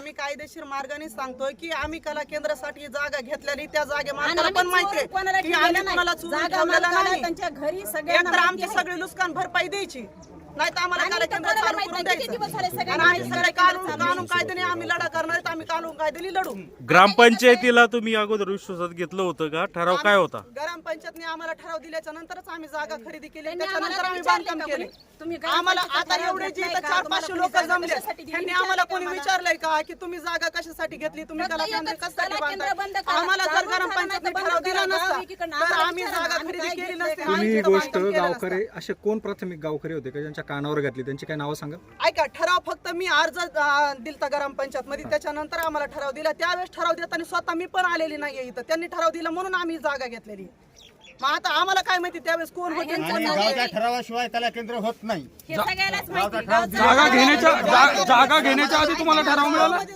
आम्ही कायदेशीर मार्गाने सांगतोय की आम्ही कला केंद्रासाठी जागा घेतलेली त्या जागे मालकाला पण माहिती आहे की आम्ही कोणाला चोरून ठेवलेलं नाही. त्यांच्या घरी एकतर आमची सगळी नुकसान भरपाई द्यायची, नाही तर आम्हाला कला केंद्र चालू करून द्यायचं. आणि आम्ही सगळे कानून कायद्याने आम्ही लढा करणार आहेत. आम्ही कानून कायद्याने लढू. ग्रामपंचायतीला तुम्ही अगोदर विश्वासात घेतलं होतं का? ठराव काय होता? ग्रामपंचायतने आम्हाला ठराव दिल्याच्या नंतरच आम्ही जागा खरेदी केली, त्याच्यानंतर आम्ही बांधकाम केले. आम्हाला आता एवढे जे 400-500 लोक जमले, त्यांनी आम्हाला कोणी विचारलंय का की तुम्ही जागा कशासाठी घेतली, तुम्ही कला केंद्र कशासाठी बांधताय? आम्हाला जर ग्रामपंचायतने ठराव दिला नसता तर आम्ही जागा खरेदी केली नसती. तुम्ही ही गोष्ट गावकरी असे कोण प्राथमिक गावकरी होते का ज्यांच्या कानावर घातली, त्यांची काय नावं सांगा? ऐका, ठराव फक्त मी अर्ज दिलता ग्रामपंचायत मध्ये, त्याच्यानंतर आम्हाला ठराव दिला. त्यावेळेस ठराव देताना स्वतः मी पण आलेली नाहीये इथं, त्यांनी ठराव दिला म्हणून आम्ही जागा घेतलेली. मग आता आम्हाला काय माहिती त्यावेळेस कोण होते. गावच्या ठरावाशिवाय कला केंद्र होत नाही. हे सगळ्यालाच माहिती. जागा घेण्याच्या आधी तुम्हाला ठराव मिळाला?